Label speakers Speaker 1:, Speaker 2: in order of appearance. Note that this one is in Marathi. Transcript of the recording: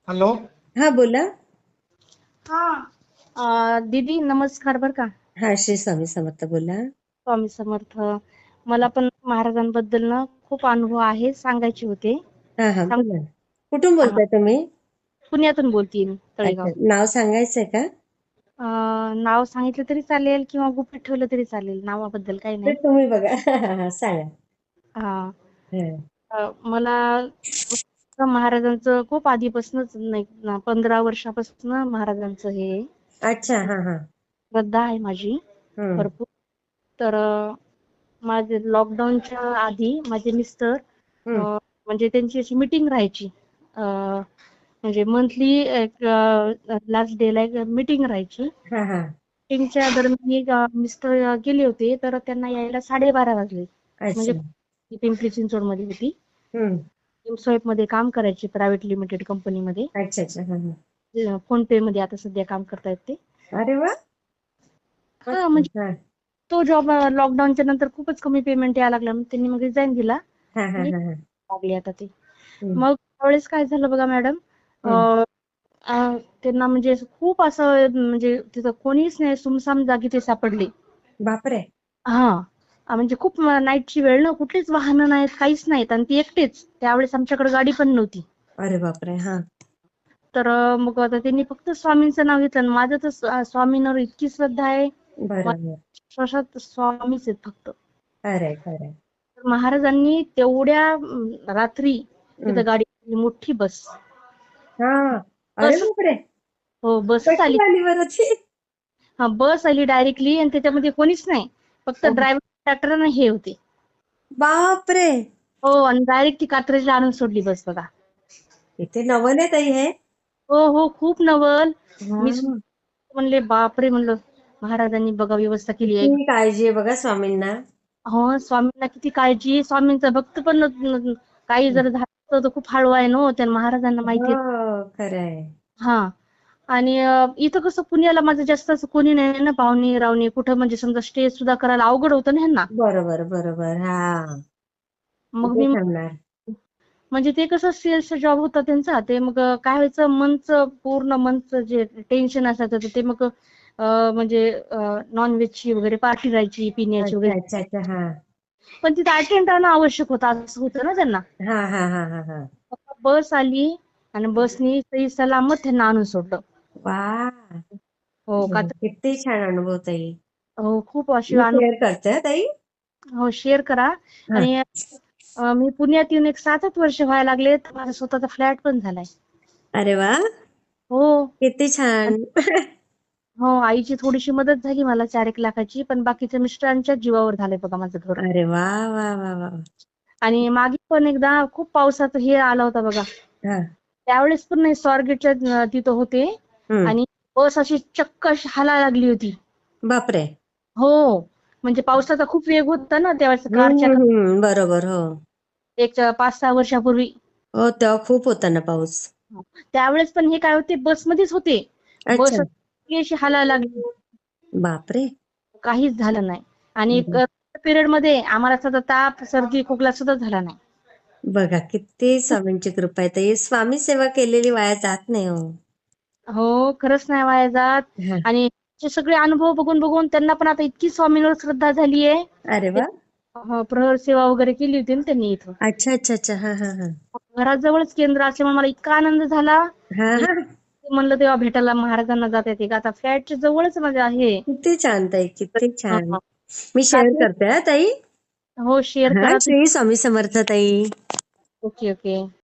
Speaker 1: हॅलो.
Speaker 2: हा बोला.
Speaker 3: हा दीदी नमस्कार बर का.
Speaker 2: हा श्री स्वामी समर्थ बोला.
Speaker 3: स्वामी समर्थ. मला पण महाराजांबद्दल ना खूप अनुभव आहे, सांगायचे होते.
Speaker 2: हा हा
Speaker 3: सांग.
Speaker 2: बोला. कुठून
Speaker 3: हा,
Speaker 2: बोलताय तुम्ही?
Speaker 3: पुण्यातून बोलतीये मी, तळेगाव.
Speaker 2: अच्छा, नाव सांगायचंय का?
Speaker 3: नाव सांगितलं तरी चालेल किंवा गुपित ठेवलं तरी चालेल, नावाबद्दल काही
Speaker 2: ते
Speaker 3: नाही.
Speaker 2: तुम्ही बघा. हा, सांगा.
Speaker 3: हा.
Speaker 2: हा.
Speaker 3: मला महाराजांचं खूप आधीपासूनच, नाही 15 वर्षापासून महाराजांचं हे
Speaker 2: अच्छा. हा हा.
Speaker 3: श्रद्धा आहे माझी
Speaker 2: हम्म.
Speaker 3: भरपूर. तर माझे लॉकडाऊनच्या आधी माझे मिस्टर
Speaker 2: हम्म.
Speaker 3: म्हणजे त्यांची अशी मीटिंग राहायची. म्हणजे मंथली एक लास्ट डे ला एक मीटिंग राहायची.
Speaker 2: हा हा.
Speaker 3: मीटिंगच्या दरम्यान मिस्टर गेले होते, तर त्यांना यायला 12:30 वाजले. म्हणजे
Speaker 2: अच्छा.
Speaker 3: पिंपरी चिंचवड मध्ये होती.
Speaker 2: हम्म.
Speaker 3: एमस्वाईप मध्ये काम करायची, प्रायव्हेट लिमिटेड कंपनीमध्ये.
Speaker 2: अच्छा अच्छा. हा हा.
Speaker 3: फोन पे मध्ये आता सध्या काम करतायत ते.
Speaker 2: अरे वा.
Speaker 3: हा
Speaker 2: मस्त.
Speaker 3: म्हणजे
Speaker 2: हा
Speaker 3: तो जॉब लॉकडाऊनच्या नंतर खूपच कमी पेमेंट यायला लागला, मग त्यांनी मग रिझाईन दिला.
Speaker 2: हा हा
Speaker 3: आणि
Speaker 2: हा. हा.
Speaker 3: लागली आता ती.
Speaker 2: हम्म.
Speaker 3: मग त्यावेळेस काय झालं बघा मॅडम.
Speaker 2: हम्म.
Speaker 3: त्यांना म्हणजे खूप असं, म्हणजे तिथं कोणीच नाही, सुमसाम जागी ते सापडले.
Speaker 2: बापरे.
Speaker 3: हा. म्हणजे खूप नाईटची वेळ ना, कुठलीच वाहनं नाहीत, काहीच नाहीत, आणि ती एकटेच. त्यावेळेस आमच्याकडे गाडी पण नव्हती.
Speaker 2: अरे बापरे. हा.
Speaker 3: तर मग आता त्यांनी फक्त स्वामींचं नाव घेतलं, आणि माझं तर स्वामींवर इतकी श्रद्धा आहे.
Speaker 2: बरोबर.
Speaker 3: विश्वासात स्वामीच आहेत फक्त.
Speaker 2: खरंय खरंय.
Speaker 3: तर महाराजांनी तेवढ्या रात्री
Speaker 2: हम्म.
Speaker 3: तिथं गाडी, मोठी बस.
Speaker 2: हा. अरे
Speaker 3: बस.
Speaker 2: बापरे.
Speaker 3: हो, बसच
Speaker 2: कशी
Speaker 3: आली.
Speaker 2: झाली बरं ती?
Speaker 3: हा, बस आली डायरेक्टली, आणि त्याच्यामध्ये कोणीच नाही, फक्त
Speaker 2: हो.
Speaker 3: ड्रायव्हर, ट्रॅक्टर आणि हे होते.
Speaker 2: बापरे.
Speaker 3: हो, आणि डायरेक्ट ती कात्रजला आणून सोडली बस बघा.
Speaker 2: इथे नवल आहे ताई हे.
Speaker 3: हो हो, खूप नवल. मी
Speaker 2: हा.
Speaker 3: म्हणले बापरे, म्हणलं महाराजांनी बघा व्यवस्था केली आहे.
Speaker 2: किती काळजी आहे बघा स्वामींना.
Speaker 3: हो, स्वामींना किती काळजी. स्वामींचा भक्त पण काही जर झालं तर खूप हळवा आहे, ना त्या महाराजांना माहिती आहे.
Speaker 2: हो खरंय.
Speaker 3: हा. आणि इथं कसं पुण्याला माझं जास्त असं कोणी नाही ना, पाहुणे रावणे कुठं, म्हणजे समजा स्टे सुद्धा करायला अवघड होतं ना ह्यांना.
Speaker 2: बरोबर बरोबर. हा.
Speaker 3: मग
Speaker 2: कुठे
Speaker 3: मी,
Speaker 2: थांबणार.
Speaker 3: म्हणजे ते कसं सेल्सचा जॉब होता त्यांचा, ते मग काय व्हायचं, पूर्ण मंथचं जे टेन्शन असायचं, तर ते मग म्हणजे नॉनव्हेजची वगैरे पार्टी राहायची, पिण्याची
Speaker 2: अच्छा
Speaker 3: वगैरे.
Speaker 2: अच्छा अच्छा. हा
Speaker 3: पण तिथे अटेंड राहणं आवश्यक होतं, असं होतं ना त्यांना.
Speaker 2: हा हा हा हा हा.
Speaker 3: बस आली, आणि बसनी सही सलामत त्यांना आणून सोडलं.
Speaker 2: वा.
Speaker 3: हो का.
Speaker 2: किती छान अनुभव ताई.
Speaker 3: हो, खूप अशी
Speaker 2: मी
Speaker 3: अनुभव.
Speaker 2: शेअर करते हा ताई.
Speaker 3: हो, शेअर करा.
Speaker 2: हा.
Speaker 3: आणि मी पुण्यात येऊन एक 7-8 वर्ष व्हायला लागले, तर माझा स्वतःचा फ्लॅट पण झालाय.
Speaker 2: अरे वा.
Speaker 3: हो.
Speaker 2: किती छान.
Speaker 3: हो, आईची थोडीशी मदत झाली मला 4-1 लाखाची, पण बाकीच्या मिस्टरांच्या जीवावर झालंय बघा माझं घर.
Speaker 2: अरे वा वा वा वा.
Speaker 3: आणि मागे पण एकदा खूप पावसाचं हे आला होता बघा.
Speaker 2: हा.
Speaker 3: त्यावेळेस पण नाही, स्वारगेटच्या तिथं होते,
Speaker 2: हम्म.
Speaker 3: आणि बस अशी चक्क अशी हालायला लागली होती.
Speaker 2: बापरे.
Speaker 3: हो, म्हणजे पावसाचा खूप वेग होता ना त्यावेळेस, कारच्या.
Speaker 2: बरोबर. हो.
Speaker 3: एक 5-6 वर्षापूर्वी.
Speaker 2: हो तेव्हा खूप होता ना पाऊस.
Speaker 3: त्यावेळेस पण हे काय होते, बसमध्येच होते.
Speaker 2: अच्छा.
Speaker 3: बस अशी हालायला लागली,
Speaker 2: बापरे.
Speaker 3: काहीच झालं नाही. आणि पिरियड मध्ये आम्हाला सुद्धा ताप, सर्दी, खोकला सुद्धा झाला नाही.
Speaker 2: बघा किती स्वामींची कृपा आहे ताई. स्वामी सेवा केलेली वाया जात नाही हो.
Speaker 3: हो, खरंच नाही वाया जात.
Speaker 2: हा.
Speaker 3: आणि ते सगळे अनुभव बघून बघून त्यांना पण आता इतकी स्वामींवर श्रद्धा झाली आहे.
Speaker 2: अरे वा.
Speaker 3: प्रहर सेवा वगैरे केली होती ना त्यांनी इथं.
Speaker 2: अच्छा अच्छा अच्छा. हा हा हा.
Speaker 3: घराजवळच केंद्र असल्यामुळे मला इतका आनंद झाला.
Speaker 2: हा
Speaker 3: की
Speaker 2: हा.
Speaker 3: म्हणलं तेव्हा भेटायला महाराजांना जाता येते का, आता फ्लॅटच्या जवळच माझं आहे.
Speaker 2: किती छान ताई, किती छान.
Speaker 3: हा.
Speaker 2: मी शेअर
Speaker 3: काय.
Speaker 2: करते हा ताई.
Speaker 3: हो, शेअर
Speaker 2: हा
Speaker 3: करा.
Speaker 2: श्री स्वामी समर्थ ताई.
Speaker 3: Okay okay.